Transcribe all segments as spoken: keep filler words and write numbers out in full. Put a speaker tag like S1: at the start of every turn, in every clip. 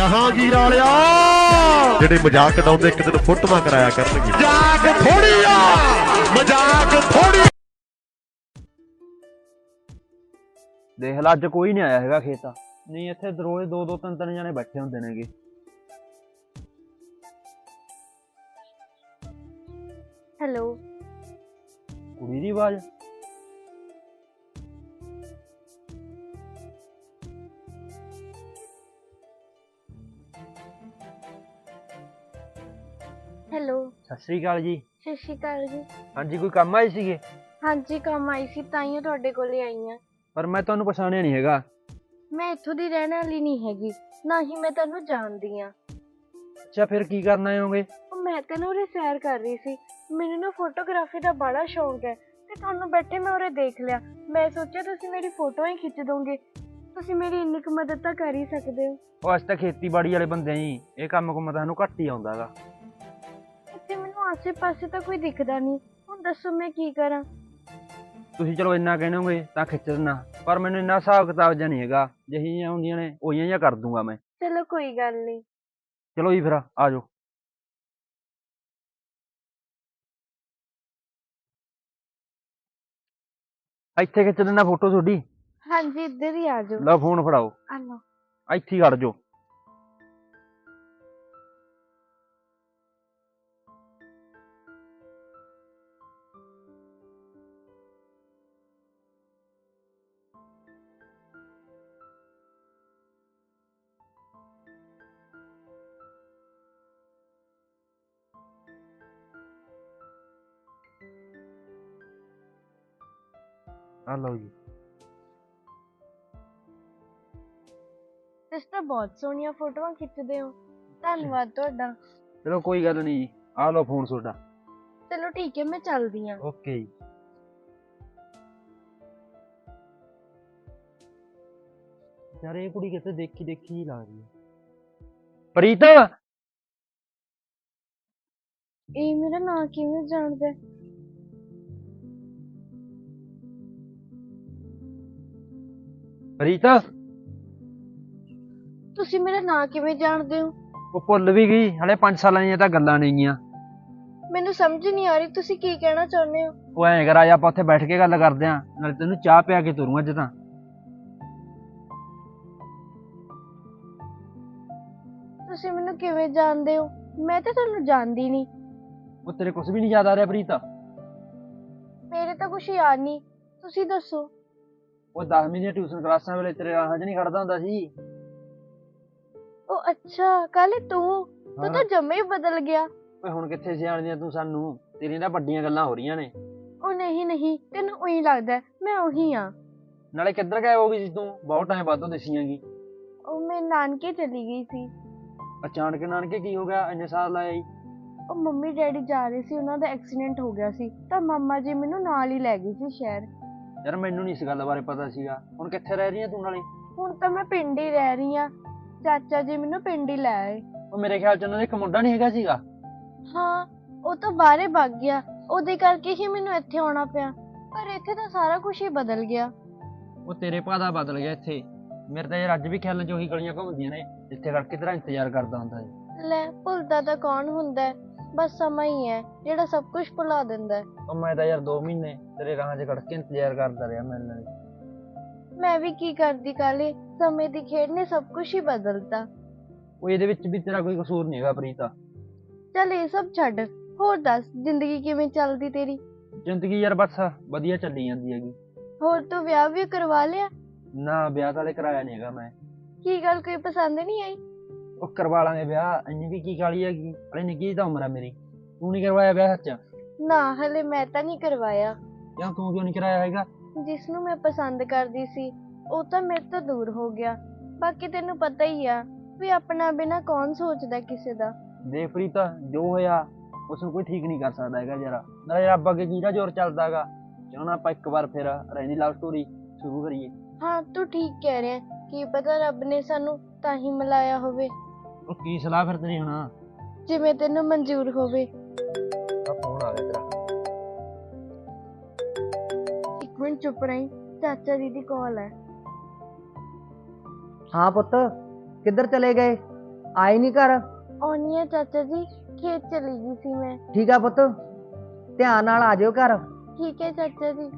S1: ਜਹਾਂਗੀਰ ਵਾਲਿਆ ਜਿਹੜੇ ਮਜ਼ਾਕ ਉਡਾਉਂਦੇ ਇੱਕ ਦਿਨ ਫੋਟੋਆਂ ਕਰਾਇਆ ਕਰਨਗੇ। ਮਜ਼ਾਕ ਥੋੜੀ ਆ, ਮਜ਼ਾਕ ਥੋੜੀ।
S2: ਦੇਖ ਲਾ ਅੱਜ ਕੋਈ ਨਹੀਂ ਆਇਆ ਹੈਗਾ ਖੇਤ, ਨਹੀਂ ਇੱਥੇ ਰੋਜ਼ ਦੋ ਦੋ ਤਿੰਨ ਤਿੰਨ ਜਣੇ ਬੈਠੇ ਹੁੰਦੇ ਨੇਗੇ।
S3: ਹੈਲੋ,
S2: ਕੁੜੀ ਦੀ ਆਵਾਜ਼।
S3: ਹੈਲੋ,
S2: ਸਤਿ ਸ੍ਰੀ ਅਕਾਲ ਜੀ।
S3: ਸਤਿ ਸ਼੍ਰੀ ਅਕਾਲ ਜੀ।
S2: ਹਾਂਜੀ, ਕੋਈ ਕੰਮ ਆਏ ਸੀਗੇ?
S3: ਹਾਂਜੀ, ਕੰਮ ਆਈ ਸੀ ਤਾਂ ਹੀ ਤੁਹਾਡੇ ਕੋਲ ਆਈ ਹਾਂ।
S2: ਪਰ ਮੈਂ ਤੁਹਾਨੂੰ ਪਛਾਣਿਆ ਨਹੀਂ ਹੈਗਾ।
S3: ਮੈਂ ਇੱਥੋਂ ਦੀ ਰਹਿਣ ਵਾਲੀ ਨਹੀਂ ਹੈਗੀ, ਨਾ ਹੀ ਮੈਂ ਤੁਹਾਨੂੰ ਜਾਣਦੀ ਹਾਂ।
S2: ਅੱਛਾ, ਫਿਰ ਕੀ ਕਰਨ ਆਏ ਹੋਗੇ?
S3: ਉਹ ਮੈਂ ਤਾਂ ਨਾ ਉਰੇ ਸੈਰ ਕਰ ਰਹੀ ਸੀ। ਮੈਨੂੰ ਨਾ ਫੋਟੋਗ੍ਰਾਫੀ ਦਾ ਬੜਾ ਸ਼ੌਂਕ ਹੈ ਤੇ ਤੁਹਾਨੂੰ ਬੈਠੇ ਮੈਂ ਉਰੇ ਦੇਖ ਲਿਆ। ਮੈਂ ਸੋਚਿਆ ਤੁਸੀਂ ਮੇਰੀ ਫੋਟੋ ਹੀ ਖਿੱਚ ਦੋਗੇ। ਤੁਸੀਂ ਮੇਰੀ ਇੰਨੀ ਕੁ ਮਦਦ ਤਾਂ ਕਰ ਹੀ ਸਕਦੇ ਹੋ।
S2: ਉਹ ਅੱਜ ਤਾਂ ਖੇਤੀਬਾੜੀ ਵਾਲੇ ਬੰਦੇ ਜੀ, ਇਹ ਕੰਮ ਕੁਮ ਤਾਂ ਸਾਨੂੰ ਘੱਟ ਹੀ ਆਉਂਦਾ ਗਾ।
S3: ਇੱਥੇ ਮੈਨੂੰ ਆਸੇ ਪਾਸੇ ਤਾਂ ਕੋਈ ਦਿਖਦਾ ਨਹੀਂ, ਹੁਣ ਦੱਸੋ ਮੈਂ ਕੀ ਕਰਾਂ।
S2: ਤੁਸੀਂ ਚਲੋ ਇੰਨਾ ਕਹਿਣੋਗੇ ਤਾਂ ਖਿੱਚ ਦਿੰਦਾ, ਪਰ ਮੈਨੂੰ ਇੰਨਾ ਹਿਸਾਬ ਕਿਤਾਬ ਜਿਹਾ ਨਹੀਂ ਹੈਗਾ। ਜਿਹੀਆਂ ਹੁੰਦੀਆਂ ਨੇ ਉਹੀਆਂ ਜਿਹਾ ਕਰ ਦੂੰਗਾ ਮੈਂ।
S3: ਚਲੋ ਕੋਈ ਗੱਲ ਨਹੀਂ।
S2: ਚਲੋ ਜੀ ਫਿਰ ਆ ਜਾਓ। ਇੱਥੇ ਖਿੱਚ ਦਿੰਦਾ ਫੋਟੋ ਤੁਹਾਡੀ।
S3: ਹਾਂਜੀ, ਇੱਧਰ ਹੀ ਆ ਜਾਓ।
S2: ਲਓ ਫੋਨ ਫੜਾਓ,
S3: ਆ ਲਓ।
S2: ਇੱਥੇ ਹੀ ਖੜ ਜਾਓ। ਆ ਲਓ ਜੀ।
S3: ਤੁਸੀਂ ਤਾਂ ਬਹੁਤ ਸੋਹਣੀਆਂ ਫੋਟੋਆਂ ਖਿੱਚਦੇ ਹੋ, ਧੰਨਵਾਦ ਤੁਹਾਡਾ।
S2: ਚਲੋ ਕੋਈ ਗੱਲ ਨਹੀਂ ਜੀ, ਆ ਲਓ ਫੋਨ ਤੁਹਾਡਾ।
S3: ਚਲੋ ਠੀਕ ਹੈ, ਮੈਂ ਚੱਲਦੀ ਹਾਂ।
S2: ਓਕੇ ਜੀ। ਯਾਰ ਇਹ ਕੁੜੀ ਕਿਤੇ ਦੇਖੀ ਦੇਖੀ ਹੀ ਲੱਗਦੀ ਹੈ। ਪ੍ਰੀਤ,
S3: ਇਹ ਮੇਰਾ ਨਾਂ ਕਿਵੇਂ ਜਾਣਦਾ ਹੈ?
S2: ਪ੍ਰੀਤ
S3: ਤੁਸੀਂ ਮੇਰਾ ਨਾਂ ਕਿਵੇਂ ਜਾਣਦੇ ਹੋ?
S2: ਉਹ ਭੁੱਲ ਵੀ ਗਈ, ਹਲੇ ਪੰਜ ਸਾਲਾਂ ਦੀਆਂ ਤਾਂ ਗੱਲਾਂ ਨੇਗੀਆਂ।
S3: ਮੈਨੂੰ ਸਮਝ ਨਹੀਂ ਆ ਰਹੀ ਤੁਸੀਂ ਕੀ ਕਹਿਣਾ ਚਾਹੁੰਦੇ ਹੋ।
S2: ਉਹ ਐਂ ਕਰ, ਆਜਾ ਆਪਾਂ ਉੱਥੇ ਬੈਠ ਕੇ ਗੱਲ ਕਰਦੇ ਆਂ, ਨਾਲੇ ਤੈਨੂੰ ਚਾਹ ਪਿਆ ਕੇ ਤੁਰੂ ਅੱਜ ਤਾਂ।
S3: ਤੁਸੀਂ ਮੈਨੂੰ ਕਿਵੇਂ ਜਾਣਦੇ ਹੋ? ਮੈਂ ਤਾਂ ਤੁਹਾਨੂੰ ਜਾਣਦੀ ਨਹੀਂ।
S2: ਉਹ ਤੇਰੇ ਕੁਝ ਵੀ ਨਹੀਂ ਯਾਦ ਆ ਰਿਹਾ ਪ੍ਰੀਤ?
S3: ਮੇਰੇ ਤਾਂ ਕੁਛ ਯਾਦ ਨਹੀਂ, ਤੁਸੀਂ ਦੱਸੋ।
S2: ਉਹ ਦਸਵੀਂ ਦੀਆਂ ਟਿਊਸ਼ਨ ਕਲਾਸਾਂ ਵੇਲੇ ਤੇਰੇ ਰਾਹਾਂ 'ਚ ਨਹੀਂ ਖੜਦਾ ਹੁੰਦਾ ਸੀ।
S3: ਉਹ ਅੱਛਾ, ਕੱਲ ਤੂੰ ਤੂੰ
S2: ਹਾਂ।
S3: ਤਾਂ ਜੰਮੇ ਹੀ ਬਦਲ ਗਿਆ।
S2: ਓਏ ਹੁਣ ਕਿੱਥੇ ਸਿਆਣਦੀਆਂ ਤੂੰ ਸਾਨੂੰ, ਤੇਰੀਆਂ ਤਾਂ ਵੱਡੀਆਂ ਗੱਲਾਂ ਹੋ ਰਹੀਆਂ ਨੇ।
S3: ਉਹ ਨਹੀਂ ਨਹੀਂ, ਤੈਨੂੰ ਉਹੀ ਲੱਗਦਾ ਹੈ, ਮੈਂ ਉਹੀ ਹਾਂ।
S2: ਨਾਲੇ ਕਿੱਧਰ ਗਾਇਬ ਹੋ ਗਈ ਸੀ ਤੂੰ? ਬਹੁਤ ਟਾਈਮ ਬਾਅਦੋਂ ਦਿਸੀਆਂਗੀ।
S3: ਉਹ ਮੈਂ ਨਾਨਕੇ ਚਲੀ ਗਈ ਸੀ।
S2: ਅਚਾਨਕ ਨਾਨਕੇ ਕੀ ਹੋ ਗਿਆ, ਇੰਨੇ ਸਾਲ ਲਾਏ ਜੀ?
S3: ਉਹ ਮੰਮੀ ਡੈਡੀ ਜਾ ਰਹੇ ਸੀ, ਉਹਨਾਂ ਦਾ ਐਕਸੀਡੈਂਟ ਹੋ ਗਿਆ ਸੀ ਤਾਂ ਮਾਮਾ ਜੀ ਮੈਨੂੰ ਨਾਲ ਹੀ ਲੈ ਗਏ ਸੀ ਸ਼ਹਿਰ।
S2: ਯਾਰ ਮੈਨੂੰ ਨਹੀਂ ਇਸ ਗੱਲ ਬਾਰੇ ਪਤਾ ਸੀਗਾ। ਹੁਣ ਕਿੱਥੇ ਰਹਿ ਰਹੀ ਹੈ ਤੂੰ ਨਾਲੇ?
S3: ਹੁਣ ਤਾਂ ਮੈਂ ਪਿੰਡ ਹੀ ਰਹਿ ਰਹੀ ਹਾਂ, ਚਾਚਾ ਜੀ ਮੈਨੂੰ ਪਿੰਡ ਹੀ ਲੈ ਆਏ।
S2: ਉਹ ਮੇਰੇ ਖਿਆਲ ਚ ਉਹਨਾਂ ਦੇ ਇੱਕ ਮੁੰਡਾ ਨਹੀਂ ਹੈਗਾ ਸੀਗਾ?
S3: ਹਾਂ, ਉਹ ਤਾਂ ਬਾਹਰੇ ਭੱਗ ਗਿਆ, ਉਹਦੇ ਕਰਕੇ ਹੀ ਮੈਨੂੰ ਇੱਥੇ ਆਉਣਾ ਪਿਆ। ਪਰ ਇੱਥੇ ਤਾਂ ਸਾਰਾ ਕੁਝ ਹੀ ਬਦਲ ਗਿਆ।
S2: ਉਹ ਤੇਰੇ ਭਾ ਦਾ ਬਦਲ ਗਿਆ ਇੱਥੇ। ਮੇਰੇ ਤਾਂ ਯਾਰ ਅੱਜ ਵੀ ਖਿਆਲ ਚ ਉਹੀ ਗਲੀਆਂ ਘੁੰਮਦੀਆਂ ਨੇ ਜਿੱਥੇ ਕਰਕੇ ਤੇਰਾ ਇੰਤਜ਼ਾਰ ਕਰਦਾ ਹੁੰਦਾ ਸੀ।
S3: ਲੈ, ਭੁੱਲਦਾ ਤਾਂ ਕੌਣ ਹੁੰਦਾ ਹੈ, ਬਸ ਸਮਾਂ ਹੀ ਹੈ ਜਿਹੜਾ ਸਭ ਕੁਝ ਭੁਲਾ ਦਿੰਦਾ ਹੈ।
S2: ਉਹ ਮੈਂ ਤਾਂ ਯਾਰ ਦੋ ਮਹੀਨੇ ਤੇਰੇ ਰਾਹਾਂ 'ਚ ਖੜ ਕੇ ਇੰਤਜ਼ਾਰ ਕਰਦਾ ਰਿਹਾ ਮਿਲਣ ਲਈ।
S3: ਮੈਂ ਵੀ ਕੀ ਕਰਦੀ ਕਾਲੇ, ਸਮੇਂ ਦੀ ਖੇਡ ਨੇ ਸਭ ਕੁਝ ਹੀ ਬਦਲਤਾ।
S2: ਉਹ ਇਹਦੇ ਵਿੱਚ ਵੀ ਤੇਰਾ ਕੋਈ ਕਸੂਰ ਨਹੀਂ ਹੈਗਾ ਪ੍ਰੀਤਾ।
S3: ਚੱਲ ਇਹ ਸਭ ਛੱਡ, ਹੋਰ ਦੱਸ ਜ਼ਿੰਦਗੀ ਕਿਵੇਂ ਚੱਲਦੀ ਤੇਰੀ?
S2: ਜ਼ਿੰਦਗੀ ਯਾਰ ਬਸ ਵਧੀਆ ਚੱਲੀ ਜਾਂਦੀ ਹੈਗੀ।
S3: ਹੋਰ ਤੂੰ ਵਿਆਹ ਵੀ ਕਰਵਾ ਲਿਆ?
S2: ਨਾ, ਵਿਆਹ ਤਾਂ ਹਲੇ ਕਰਾਇਆ ਨਹੀਂ ਹੈਗਾ ਮੈਂ।
S3: ਕੀ ਗੱਲ, ਕੋਈ ਪਸੰਦ ਨਹੀਂ ਆਈ?
S2: ਉਹ ਕਰਵਾ ਲਾਂਗੇ ਵਿਆਹ, ਇੰਨੀ ਵੀ ਕੀ ਕਾਹਲੀ ਹੈਗੀ, ਹਲੇ ਨਿੱਕੀ ਜਿਹੀ ਤਾਂ ਉਮਰ ਆ ਮੇਰੀ। ਤੂੰ ਨਹੀਂ ਕਰਵਾਇਆ ਵਿਆਹ ਸੱਚ?
S3: ਨਾ, ਹਲੇ ਮੈਂ ਤਾਂ ਨਹੀਂ ਕਰਵਾਇਆ।
S2: ਕਿਉਂ, ਤੂੰ ਕਿਉਂ ਨਹੀਂ ਕਰਾਇਆ ਹੈਗਾ?
S3: ਜਿਸ ਨੂੰ ਮੈਂ ਪਸੰਦ ਕਰਦੀ ਸੀ ਉਹ ਤਾਂ ਮੇਰੇ ਤੋਂ ਦੂਰ ਹੋ ਗਿਆ। ਬਾਕੀ ਤੈਨੂੰ ਪਤਾ ਹੀ ਆ ਵੀ ਆਪਣਾ ਬਿਨਾਂ ਕੌਣ ਸੋਚਦਾ ਕਿਸੇ ਦਾ।
S2: ਦੇਖ ਪ੍ਰੀਤਾ, ਜੋ ਹੋਇਆ ਉਸ ਨੂੰ ਕੋਈ ਠੀਕ ਨਹੀਂ ਕਰ ਸਕਦਾ ਹੈਗਾ ਯਾਰ। ਨਾਲੇ ਰੱਬ ਅੱਗੇ ਕਿਹਦਾ ਜ਼ੋਰ ਚੱਲਦਾ ਹੈਗਾ। ਕਿਉਂ ਨਾ ਆਪਾਂ ਇੱਕ ਵਾਰ ਫਿਰ ਰਹਿੰਦੀ ਲਵ ਸਟੋਰੀ ਸ਼ੁਰੂ ਕਰੀਏ।
S3: ਹਾਂ, ਤੂੰ ਠੀਕ ਕਹਿ ਰਿਹਾ, ਕੀ ਪਤਾ ਰੱਬ ਨੇ ਸਾਨੂੰ ਤਾਂ ਹੀ ਮਿਲਾਇਆ ਹੋਵੇ।
S2: ਉਹ ਕੀ ਸਲਾਹ ਫਿਰ ਤੇਰੀ ਹੁਣ?
S3: ਜਿਵੇਂ ਤੈਨੂੰ ਮਨਜ਼ੂਰ ਹੋਵੇ।
S2: ਆ ਫੋਨ ਆ ਗਿਆ ਤੇਰਾ।
S3: ਇੱਕ ਮਿੰਟ ਚੁੱਪ ਰਹੀ, ਚਾਚਾ ਜੀ ਦੀ ਕਾਲ ਹੈ।
S4: ਹਾਂ ਪੁੱਤ, ਕਿੱਧਰ ਚਲੇ ਗਏ? ਆਈ ਨਹੀਂ ਘਰ?
S3: ਆਉਣੀ ਆ ਚਾਚਾ ਜੀ, ਖੇਤ ਚਲੀ ਗਈ ਸੀ ਮੈਂ।
S4: ਠੀਕ ਆ ਪੁੱਤ, ਧਿਆਨ ਨਾਲ ਆ ਜਾਇਓ ਘਰ।
S3: ਠੀਕ ਹੈ ਚਾਚਾ ਜੀ।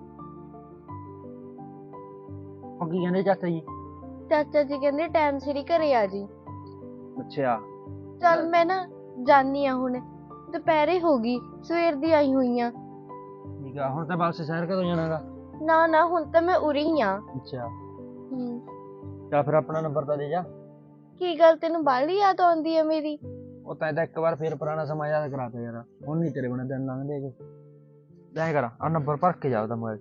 S2: ਉਹ ਕੀ ਕਹਿੰਦੇ ਚਾਚਾ ਜੀ?
S3: ਚਾਚਾ ਜੀ ਕਹਿੰਦੇ ਟਾਈਮ ਸਿਰ ਹੀ ਘਰੇ ਆ ਜੀ।
S2: ਅੱਛਾ
S3: ਚੱਲ ਮੈਂ ਨਾ ਜਾਨੀ ਆ ਹੁਣ, ਦੁਪਹਿਰੇ ਹੋ ਗਈ, ਸਵੇਰ ਦੀ ਆਈ ਹੋਈ ਆ।
S2: ਠੀਕ ਆ, ਹੁਣ ਤਾਂ ਵਾਪਸ ਸ਼ਹਿਰ ਕਦੋਂ ਜਾਣਾਗਾ?
S3: ਨਾ ਨਾ ਹੁਣ ਤਾਂ ਮੈਂ ਉਰੇ ਹੀ ਆ।
S2: ਅੱਛਾ
S3: ਹੂੰ।
S2: ਚੱਲ ਫਿਰ ਆਪਣਾ ਨੰਬਰ ਤਾਂ ਦੇ ਜਾ।
S3: ਕੀ ਗੱਲ ਤੈਨੂੰ ਬਾਹਲੀ ਯਾਦ ਆਉਂਦੀ ਆ ਮੇਰੀ?
S2: ਉਹ ਤਾਂ ਇਹਦਾ ਇੱਕ ਵਾਰ ਫੇਰ ਪੁਰਾਣਾ ਸਮਾਂ ਯਾਦ ਕਰਾਤਾ ਯਾਰ, ਹੁਣ ਨਹੀਂ ਤੇਰੇ ਬਣੇ ਦਿਨ ਲੰਘਦੇ ਹੈਗੇ। ਐਂ ਕਰ, ਆ ਨੰਬਰ ਭਰ ਕੇ ਜਾ ਉਹਦਾ ਮੋਬਾਈਲ 'ਚ।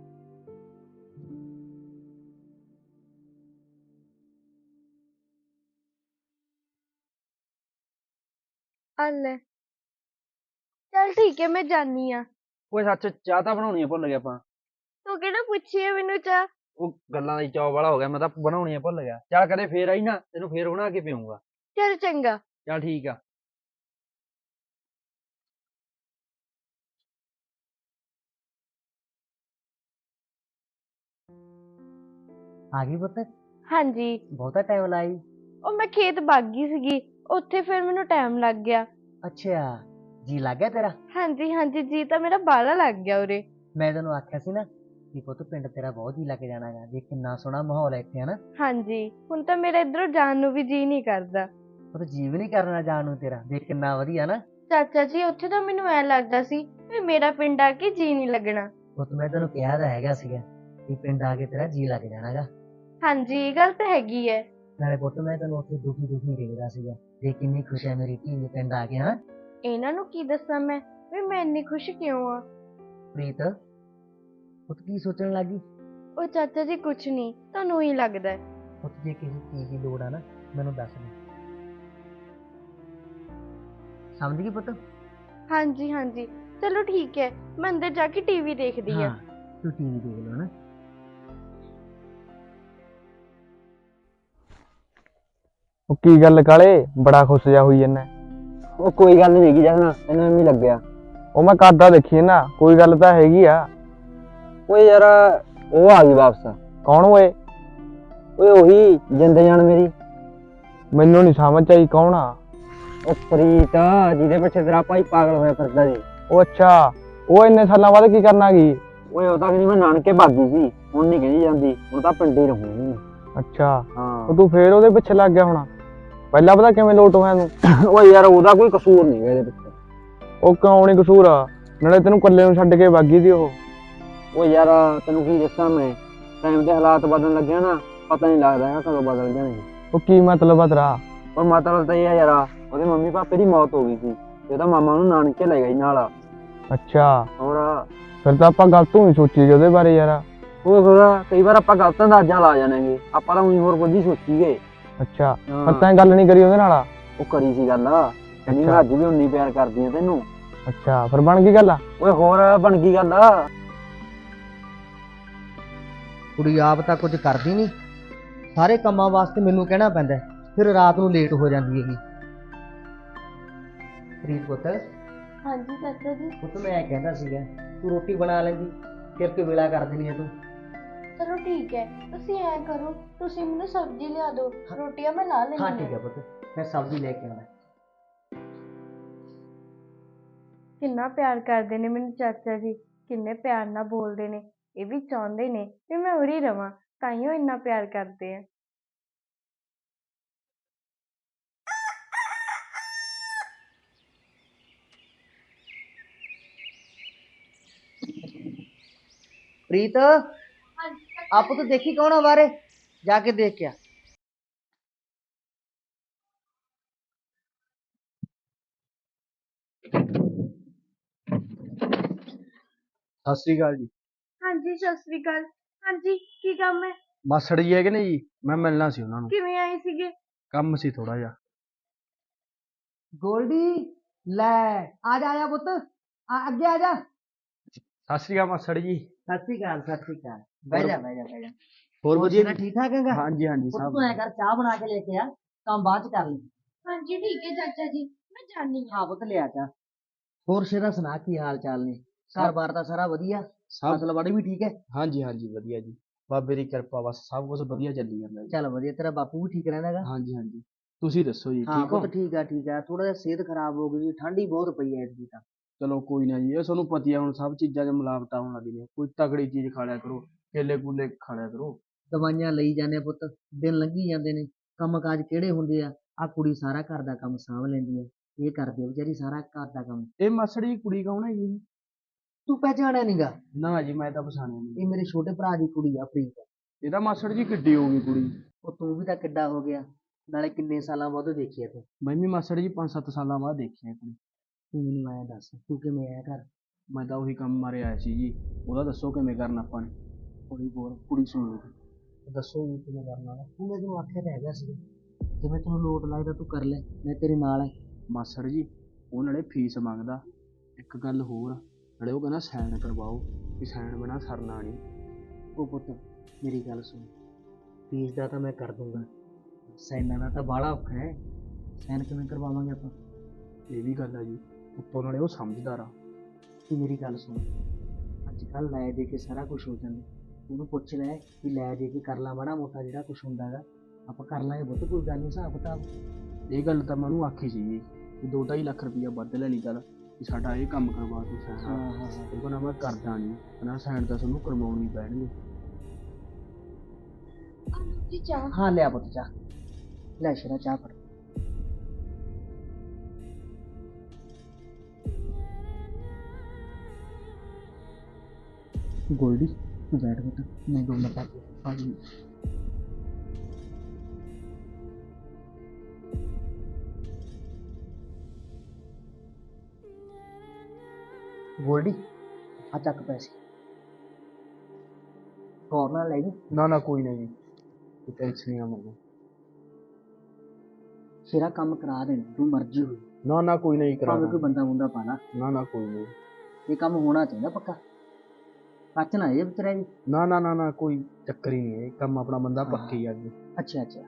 S3: ਆ ਲੈ। ਚੱਲ ਠੀਕ ਹੈ, ਮੈਂ ਜਾਨੀ ਆ।
S2: ਓਏ ਸੱਚ, ਚਾਹ ਤਾਂ ਬਣਾਉਣੀ ਆ, ਭੁੱਲ ਗਿਆ ਆਪਾਂ।
S3: ਤੂੰ ਕਿਹੜਾ ਪੁੱਛੀ ਆ ਮੈਨੂੰ ਚਾਹ?
S2: ਉਹ ਗੱਲਾਂ ਦਾ ਹੀ ਚਾਅ ਵਾਲਾ ਹੋ ਗਿਆ, ਮੈਂ ਤਾਂ ਬਣਾਉਣੀ ਆ ਭੁੱਲ ਗਿਆ। ਚੱਲ ਕਦੇ ਫੇਰ ਆਈ ਨਾ, ਤੈਨੂੰ ਫੇਰ ਬਣਾ ਕੇ ਪੀਊਂਗਾ।
S3: ਚੱਲ ਚੰਗਾ।
S2: ਚੱਲ ਠੀਕ ਆ।
S4: ਆ ਗਈ ਪੁੱਤ?
S3: ਹਾਂਜੀ।
S4: ਬਹੁਤਾ ਟਾਈਮ ਲਾਈ?
S3: ਉਹ ਮੈਂ ਖੇਤ ਭੱਗ ਗਈ ਸੀਗੀ, ਉੱਥੇ ਫਿਰ ਮੈਨੂੰ ਟਾਈਮ ਲੱਗ ਗਿਆ।
S4: ਅੱਛਾ, ਜੀ ਲੱਗ ਗਿਆ ਤੇਰਾ?
S3: ਹਾਂਜੀ ਹਾਂਜੀ, ਜੀ ਤਾਂ ਮੇਰਾ ਬਾਹਲਾ ਲੱਗ ਗਿਆ ਉਰੇ।
S4: ਮੈਂ ਤੈਨੂੰ ਆਖਿਆ ਸੀ ਨਾ ਕਿ ਪੁੱਤ ਪਿੰਡ ਤੇਰਾ ਬਹੁਤ ਜੀ ਲੱਗ ਜਾਣਾਗਾ, ਜੇ ਕਿੰਨਾ ਸੋਹਣਾ ਮਾਹੌਲ ਹੈ ਇੱਥੇ, ਹਨਾ?
S3: ਹਾਂਜੀ, ਹੁਣ ਤਾਂ ਮੇਰਾ ਇੱਧਰੋਂ ਜਾਣ ਨੂੰ ਵੀ ਜੀ ਨਹੀਂ ਕਰਦਾ।
S4: ਪੁੱਤ ਜੀ ਵੀ ਨਹੀਂ ਕਰਨਾ ਜਾਣ ਨੂੰ ਤੇਰਾ, ਦੇਖ ਕਿੰਨਾ ਵਧੀਆ ਨਾ।
S3: ਚਾਚਾ ਜੀ, ਉੱਥੇ ਤਾਂ ਮੈਨੂੰ ਐ ਲੱਗਦਾ ਸੀ ਵੀ ਮੇਰਾ ਪਿੰਡ ਆ ਕੇ ਜੀ ਨਹੀਂ ਲੱਗਣਾ।
S4: ਪੁੱਤ ਮੈਂ ਤੈਨੂੰ ਕਿਹਾ ਤਾਂ ਹੈਗਾ ਸੀਗਾ ਕਿ ਪਿੰਡ ਆ ਕੇ ਤੇਰਾ ਜੀ ਲੱਗ ਜਾਣਾਗਾ।
S3: ਹਾਂਜੀ, ਇਹ ਗੱਲ ਤਾਂ ਹੈਗੀ ਹੈ।
S4: ਨਾਲੇ ਪੁੱਤ ਮੈਂ ਤੈਨੂੰ ਉੱਥੇ ਦੁਖੀ ਦੁਖੀ ਦੇਖਦਾ ਸੀਗਾ, ਦੇਖ ਕਿੰਨੀ ਖੁਸ਼ ਹੈ ਮੇਰੀ ਧੀ ਨੇ ਪਿੰਡ ਆ ਕੇ, ਹਾਂ?
S3: ਇਹਨਾਂ ਨੂੰ ਕੀ ਦੱਸਾਂ ਮੈਂ ਵੀ ਮੈਂ ਇੰਨੀ ਖੁਸ਼ ਕਿਉਂ ਆ।
S4: ਪ੍ਰੀਤ, ਪੁੱਤ ਕੀ ਸੋਚਣ ਲੱਗੀ?
S3: ਉਹ ਚਾਚਾ ਜੀ ਕੁਛ ਨਹੀਂ, ਤੁਹਾਨੂੰ ਹੀ ਲੱਗਦਾ ਹੈ।
S4: ਪੁੱਤ ਜੇ ਕਿਸੇ ਚੀਜ਼ ਦੀ ਲੋੜ ਆ ਨਾ, ਮੈਨੂੰ ਦੱਸ ਦੇ। ਸਮਝ ਗਈ ਪੁੱਤ?
S3: ਹਾਂਜੀ ਹਾਂਜੀ, ਚਲੋ ਠੀਕ ਹੈ, ਮੈਂ ਅੰਦਰ ਜਾ ਕੇ ਟੀਵੀ ਦੇਖਦੀ ਆ।
S4: ਤੂੰ ਟੀਵੀ ਦੇਖ ਲਓ ਨਾ।
S5: ਉਹ ਕੀ ਗੱਲ ਕਾਲੇ, ਬੜਾ ਖੁਸ਼ ਜਾ ਹੋਈ ਜੰਨਾ?
S2: ਉਹ ਕੋਈ ਗੱਲ ਨਹੀਂ ਹੈਗੀ ਜਸਨਾ, ਤੈਨੂੰ ਐਵੇਂ ਲੱਗਿਆ।
S5: ਉਹ ਮੈਂ ਕਰਦਾ ਦੇਖੀ ਨਾ, ਕੋਈ ਗੱਲ ਤਾਂ ਹੈਗੀ ਆ।
S2: ਓਏ ਯਾਰ, ਉਹ ਆ ਗਈ ਵਾਪਸ।
S5: ਕੌਣ ਓਏ?
S2: ਓਏ ਉਹੀ ਜਿੰਦੇ ਜਾਨ ਮੇਰੀ।
S5: ਮੈਨੂੰ ਨਹੀਂ ਸਮਝ ਆਈ ਕੌਣ ਆ।
S2: ਉਹ ਪ੍ਰੀਤ, ਜਿਹਦੇ ਪਿੱਛੇ ਤੇਰਾ ਭਾਈ ਪਾਗਲ ਹੋਇਆ ਫਿਰਦਾ ਸੀ।
S5: ਉਹ ਅੱਛਾ, ਉਹ ਇੰਨੇ ਸਾਲਾਂ ਬਾਅਦ ਕੀ ਕਰਨ ਆ ਗਈ?
S2: ਓਏ ਉਹ ਤਾਂ ਕਹਿੰਦੀ ਮੈਂ ਨਾਨਕੇ ਭਾਗੀ ਸੀ, ਹੁਣ ਨਹੀਂ ਕਹਿੰਦੀ ਜਾਂਦੀ, ਹੁਣ ਤਾਂ ਪਿੰਡੇ ਹੀ ਰਹੂੰਗੀ।
S5: ਅੱਛਾ,
S2: ਹਾਂ।
S5: ਉਹ ਤੂੰ ਫੇਰ ਉਹਦੇ ਪਿੱਛੇ ਲੱਗ ਗਿਆ ਹੋਣਾ। ਪਹਿਲਾਂ ਪਤਾ ਕਿਵੇਂ ਲੋਟ ਹੋਇਆ ਤੂੰ?
S2: ਓਏ ਯਾਰ, ਉਹਦਾ ਕੋਈ ਕਸੂਰ ਨਹੀਂ ਇਹਦੇ ਪਿੱਛੇ।
S5: ਉਹ ਕਿਉਂ ਨੀ ਕਸੂਰ ਆ? ਨਾਲੇ ਤੈਨੂੰ ਇਕੱਲੇ ਨੂੰ ਛੱਡ ਕੇ ਭਾਗੀ ਸੀ ਉਹ।
S2: ਓ ਯਾਰ, ਤੈਨੂੰ ਕੀ ਦੱਸਾਂ ਮੈਂ, ਟਾਈਮ ਦੇ ਹਾਲਾਤ ਬਦਲਣ ਲੱਗਿਆ ਨਾ, ਪਤਾ ਨਹੀਂ ਲੱਗਦਾ ਹੈਗਾ ਕਦੋਂ ਬਦਲ ਜਾਣਗੇ।
S5: ਉਹ ਕੀ ਮਤਲਬ ਆ ਤੇਰਾ?
S2: ਪਰ ਮਤਲਬ ਤਾਂ ਇਹ ਆ ਯਾਰ, ਉਹਦੇ ਮੰਮੀ ਪਾਪੇ ਦੀ ਮੌਤ ਹੋ ਗਈ ਸੀ ਤੇ ਉਹਦਾ ਮਾਮਾ ਉਹਨੂੰ ਨਾਨਕੇ ਲੈ ਗਿਆ ਸੀ ਨਾਲ।
S5: ਅੱਛਾ,
S2: ਹੋਰ
S5: ਫਿਰ ਤਾਂ ਆਪਾਂ ਗਲਤ ਹੋਈ ਸੋਚੀ ਗਏ ਉਹਦੇ ਬਾਰੇ ਯਾਰ।
S2: ਉਹ ਫਿਰ ਕਈ ਵਾਰ ਆਪਾਂ ਗਲਤ ਅੰਦਾਜ਼ਾ ਲਾ ਜਾਣਗੇ, ਆਪਾਂ ਤਾਂ ਉਹੀ ਹੋਰ ਕੁਝ ਹੀ ਗਏ।
S5: ਅੱਛਾ, ਪਰ ਤੈਂ ਗੱਲ ਨਹੀਂ ਕਰੀ ਉਹਦੇ ਨਾਲ?
S2: ਉਹ ਕਰੀ ਸੀ ਗੱਲ, ਕਹਿੰਦੀ ਮੈਂ ਅੱਜ ਵੀ ਉਨੀ ਪਿਆਰ ਕਰਦੀ ਆ ਤੈਨੂੰ।
S5: ਅੱਛਾ, ਫਿਰ ਬਣ ਗਈ ਗੱਲ?
S2: ਓਏ ਹੋਰ ਬਣ ਗਈ ਗੱਲ।
S4: ਕੁੜੀ ਆਪ ਤਾਂ ਕੁਝ ਕਰਦੀ ਨਹੀਂ, ਸਾਰੇ ਕੰਮਾਂ ਵਾਸਤੇ ਮੈਨੂੰ ਕਹਿਣਾ ਪੈਂਦਾ, ਫਿਰ ਰਾਤ ਨੂੰ ਲੇਟ ਹੋ ਜਾਂਦੀ ਹੈਗੀ। ਪ੍ਰੀਤ ਪੁੱਤ,
S3: ਹਾਂਜੀ ਚਾਚਾ ਜੀ।
S4: ਪੁੱਤ ਮੈਂ ਕਹਿੰਦਾ ਸੀਗਾ ਤੂੰ ਰੋਟੀ ਬਣਾ ਲੈਂਦੀ, ਫਿਰ ਕਿ ਵੇਲਾ ਕਰ ਦੇਣੀ ਹੈ ਤੂੰ।
S3: ਚਲੋ ਠੀਕ ਹੈ, ਤੁਸੀਂ ਐਂ ਕਰੋ, ਤੁਸੀਂ ਮੈਨੂੰ ਸਬਜ਼ੀ ਲਿਆ ਦਿਓ, ਰੋਟੀਆਂ ਮੈਂ ਲਾ ਲੈਂਦੀ
S4: ਹਾਂ ਠੀਕ ਹੈ ਪੁੱਤ, ਮੈਂ ਸਬਜ਼ੀ ਲੈ ਕੇ ਆਉਣਾ।
S3: ਕਿੰਨਾ ਪਿਆਰ ਕਰਦੇ ਨੇ ਮੈਨੂੰ ਚਾਚਾ ਜੀ, ਕਿੰਨੇ ਪਿਆਰ ਨਾਲ ਬੋਲਦੇ ਨੇ। ਇਹ ਵੀ ਚਾਹੁੰਦੇ ਨੇ ਵੀ ਮੈਂ ਉਰੀ ਰਵਾਂ, ਤਾਈਓ ਇੰਨਾ ਪਿਆਰ ਕਰਦੇ ਆ।
S4: ਪ੍ਰੀਤ, ਆਪ ਤੂੰ ਦੇਖੀ ਕੌਣ ਆ ਬਾਰੇ, ਜਾ ਕੇ ਦੇਖ ਕੇ ਆ।
S2: ਸਤਿ ਸ੍ਰੀ ਅਕਾਲ ਜੀ।
S3: ਹਾਂਜੀ ਸਤਿ ਸ੍ਰੀ ਅਕਾਲ। ਹਾਂਜੀ, ਕੀ ਕੰਮ ਹੈ?
S2: ਮਾਸੜ ਜੀ ਹੈਗੇ ਨੇ ਜੀ, ਮੈਂ ਮਿਲਣਾ ਸੀ ਉਹਨਾਂ ਨੂੰ।
S3: ਕਿਵੇਂ ਆਏ ਸੀਗੇ?
S2: ਕੰਮ ਸੀ ਥੋੜਾ ਜਿਹਾ।
S4: ਗੋਲਡੀ, ਲੈ ਆ ਜਾ, ਆ ਜਾ ਪੁੱਤ, ਆ ਅੱਗੇ ਆ ਜਾ।
S2: ਸਤਿ ਸ੍ਰੀ ਅਕਾਲ ਮਾਸੜ ਜੀ।
S4: ਸਤਿ ਸ੍ਰੀ ਅਕਾਲ, ਸਤਿ ਸ੍ਰੀ ਅਕਾਲ। ਬਹਿ ਜਾ ਬਹਿ ਜਾ ਬਹਿ ਜਾ।
S2: ਹੋਰ ਵਧੀਆ
S4: ਸੁਣਾ, ਠੀਕ ਠਾਕ ਹੈਗਾ?
S2: ਹਾਂਜੀ ਹਾਂਜੀ
S4: ਪੁੱਤ
S2: ਸਭ।
S4: ਤੂੰ ਐ ਕਰ, ਚਾਹ ਬਣਾ ਕੇ ਲੈ ਕੇ ਆ, ਕੰਮ ਬਾਅਦ ਚ ਕਰ ਲਈ।
S3: ਹਾਂਜੀ ਠੀਕ ਹੈ ਚਾਚਾ ਜੀ, ਮੈਂ ਜਾਣੀ ਹਾਂ।
S4: ਹਾਂ ਪੁੱਤ ਲਿਆ ਚਾਹ। ਹੋਰ ਸ਼ੇਰਾ ਸੁਣਾ, ਕੀ ਹਾਲ ਚਾਲ ਨੇ? ਘਰ ਬਾਰ ਦਾ ਸਾਰਾ ਵਧੀਆ? ਫਸਲ ਬਾੜੀ ਵੀ ਠੀਕ ਹੈ?
S2: ਹਾਂਜੀ ਹਾਂਜੀ ਵਧੀਆ ਜੀ, ਬਾਬੇ ਦੀ ਕਿਰਪਾ, ਬਸ ਸਭ ਕੁਝ ਵਧੀਆ ਚੱਲੀ ਜਾਂਦਾ ਜੀ।
S4: ਚੱਲ ਵਧੀਆ, ਤੇਰਾ ਬਾਪੂ ਵੀ ਠੀਕ ਰਹਿੰਦਾ ਹੈਗਾ?
S2: ਹਾਂਜੀ ਹਾਂਜੀ। ਤੁਸੀਂ ਦੱਸੋ ਜੀ,
S4: ਹਾਂ
S2: ਠੀਕ ਹੋ?
S4: ਪੁੱਤ ਠੀਕ ਆ ਠੀਕ ਆ, ਥੋੜਾ ਜਿਹਾ ਸਿਹਤ ਖਰਾਬ ਹੋ ਗਈ ਜੀ, ਠੰਡ ਹੀ ਬਹੁਤ ਪਈ ਐ ਐਤਕੀ ਤਾਂ।
S2: ਚਲੋ ਕੋਈ ਨਾ ਜੀ, ਇਹ ਤੁਹਾਨੂੰ ਪਤਾ ਹੀ ਆ ਹੁਣ ਸਭ ਚੀਜ਼ਾਂ 'ਚ ਮਿਲਾਵਟਾਂ ਹੋਣ ਲੱਗੀ ਨੇ। ਕੋਈ ਤਗੜੀ ਚੀਜ਼ ਖਾ ਲਿਆ ਕਰੋ, ਕੇਲੇ ਕੂਲੇ ਖਾ ਲਿਆ ਕਰੋ।
S4: ਦਵਾਈਆਂ ਲਈ ਜਾਂਦੇ ਆ ਪੁੱਤ, ਦਿਨ ਲੰਘੀ ਜਾਂਦੇ ਨੇ, ਕੰਮ ਕਾਜ ਕਿਹੜੇ ਹੁੰਦੇ ਆ। ਆ ਕੁੜੀ ਸਾਰਾ ਘਰ ਦਾ ਕੰਮ ਸਾਂਭ ਲੈਂਦੀ ਹੈ, ਇਹ ਕਰਦੀ ਆ ਵਿਚਾਰੀ ਸਾਰਾ ਘਰ ਦਾ ਕੰਮ।
S2: ਇਹ ਮਾਸੜ ਜੀ ਕੁੜੀ ਕੌਣ ਹੈ ਜੀ?
S4: ਤੂੰ ਪਹਿਚਾਣਿਆ ਨੀਗਾ?
S2: ਨਾ ਜੀ, ਮੈਂ ਤਾਂ ਪਛਾਣਿਆ ਨਹੀਂ।
S4: ਇਹ ਮੇਰੇ ਛੋਟੇ ਭਰਾ ਦੀ ਕੁੜੀ ਆ ਪ੍ਰੀਤ।
S2: ਇਹਦਾ ਮਾਸੜ ਜੀ ਕਿੱਡੀ ਹੋ ਗਈ ਕੁੜੀ?
S4: ਉਹ ਤੂੰ ਵੀ ਤਾਂ ਕਿੱਡਾ ਹੋ ਗਿਆ, ਨਾਲੇ ਕਿੰਨੇ ਸਾਲਾਂ ਬਾਅਦ ਦੇਖੀ ਆ ਤੂੰ।
S2: ਮੈਂ ਵੀ ਮਾਸੜ ਜੀ ਪੰਜ ਸੱਤ ਸਾਲਾਂ ਬਾਅਦ ਦੇਖਿਆ ਕੁੜੀ।
S4: ਤੂੰ ਮੈਨੂੰ ਐਂ ਦੱਸ, ਤੂੰ ਕਿਵੇਂ ਆਇਆ ਘਰ?
S2: ਮੈਂ ਤਾਂ ਉਹੀ ਕੰਮ ਮਾਰੇ ਆਇਆ ਸੀ ਜੀ, ਉਹਦਾ ਦੱਸੋ ਕਿਵੇਂ ਕਰਨਾ ਆਪਾਂ ਨੇ।
S4: ਕੁੜੀ ਬੋਲ,
S2: ਕੁੜੀ ਸੁਣ ਲਓ।
S4: ਦੱਸੋ ਜੀ ਕਿਵੇਂ ਕਰਨਾ ਵਾ? ਤੂੰ ਮੈਨੂੰ ਆਖਿਆ ਤਾਂ ਹੈਗਾ ਸੀ, ਜਿਵੇਂ ਤੈਨੂੰ ਲੋਟ ਲੱਗਦਾ ਤੂੰ ਕਰ ਲੈ, ਮੈਂ ਤੇਰੇ ਨਾਲ ਐ।
S2: ਮਾਸੜ ਜੀ ਉਹ ਨਾਲੇ ਫੀਸ ਮੰਗਦਾ, ਇੱਕ ਗੱਲ ਹੋਰ ਨਾਲੇ ਉਹ ਕਹਿੰਦਾ ਸਾਈਨ ਕਰਵਾਓ, ਵੀ ਸਾਈਨ ਬਿਨਾਂ ਸਰਨਾ ਨਹੀਂ।
S4: ਉਹ ਪੁੱਤ ਮੇਰੀ ਗੱਲ ਸੁਣ, ਫੀਸ ਦਾ ਤਾਂ ਮੈਂ ਕਰ ਦੂੰਗਾ, ਸਾਈਨਾਂ ਦਾ ਤਾਂ ਬਾਹਲਾ ਔਖਾ ਹੈ, ਸਾਈਨ ਕਿਵੇਂ ਕਰਵਾਵਾਂਗੇ ਆਪਾਂ?
S2: ਇਹ ਵੀ ਗੱਲ ਆ ਜੀ, ਉੱਤੋਂ ਨਾਲੇ ਉਹ ਸਮਝਦਾਰ ਆ।
S4: ਤੂੰ ਮੇਰੀ ਗੱਲ ਸੁਣ, ਅੱਜ ਕੱਲ੍ਹ ਲੈ ਦੇ ਕੇ ਸਾਰਾ ਕੁਝ ਹੋ ਜਾਂਦਾ, ਉਹਨੂੰ ਪੁੱਛ ਲੈ ਵੀ ਲੈ ਦੇ ਕੇ ਕਰ ਲਾ ਮਾੜਾ ਮੋਟਾ ਜਿਹੜਾ ਕੁਝ ਹੁੰਦਾ ਗਾ, ਆਪਾਂ ਕਰ ਲਾਂਗੇ ਪੁੱਤ, ਕੋਈ ਗੱਲ ਨਹੀਂ ਹਿਸਾਬ ਕਿਤਾਬ।
S2: ਇਹ ਗੱਲ ਤਾਂ ਮੈਂ ਉਹਨੂੰ ਆਖੀ ਸੀ ਜੀ, ਵੀ ਦੋ ਢਾਈ ਲੱਖ ਰੁਪਈਆ ਵੱਧ ਲੈ ਲਈ ਚੱਲ, ਵੀ ਸਾਡਾ ਇਹ ਕੰਮ ਕਰਵਾ ਤੂੰ ਸਾਈਨ।
S4: ਹਾਂ ਹਾਂ ਹਾਂ
S2: ਉਹ ਕਹਿੰਦਾ ਮੈਂ ਕਰਦਾ ਨਹੀਂ, ਕਹਿੰਦਾ ਸਾਈਨ ਤਾਂ ਤੁਹਾਨੂੰ ਕਰਵਾਉਣੀ ਪੈਣਗੇ।
S3: ਜੀ ਚਾਹ।
S4: ਹਾਂ ਲਿਆ ਪੁੱਤ ਚਾਹ, ਲੈ ਸ਼ੇਰਾ ਚਾਹ ਫੜ।
S2: ਗੋਲਡੀ
S4: ਤੂੰ ਬੈਠ ਪੁੱਤ, ਮੈਂ ਦੋ ਮਿੰਟ ਤੱਕ।
S2: ਹਾਂਜੀ।
S4: ਗੋਲਡੀ ਆ ਚੱਕ ਪੈਸੇ, ਗੌਰ ਨਾਲ ਲੈ ਜੀ।
S2: ਨਾ ਨਾ ਕੋਈ ਨਹੀਂ ਜੀ, ਕੋਈ ਟੈਨਸ਼ਨ ਨਹੀਂ ਆ ਮੈਨੂੰ।
S4: ਸ਼ੇਰਾ ਕੰਮ ਕਰਾ ਦੇਣਾ, ਤੂੰ ਮਰਜ਼ੀ ਹੋਈ,
S2: ਨਾ ਨਾ ਕੋਈ ਨਹੀਂ ਕਰਾ
S4: ਭਾਵੇਂ ਕੋਈ ਬੰਦਾ ਬੰਦਾ ਪਾਣਾ,
S2: ਨਾ ਨਾ ਕੋਈ ਨਹੀਂ।
S4: ਇਹ ਕੰਮ ਹੋਣਾ ਚਾਹੀਦਾ ਪੱਕਾ, ਕੱਚ ਨਾ ਇਹ ਵਿਚਾਰੇ ਵੀ।
S2: ਨਾ ਨਾ ਨਾ ਨਾ ਕੋਈ ਚੱਕਰ ਹੀ ਨਹੀਂ, ਇਹ ਕੰਮ ਆਪਣਾ ਬੰਦਾ
S4: ਹਾਂ।
S2: ਪੱਕੀ ਆ ਜੀ।
S4: ਅੱਛਾ ਅੱਛਾ,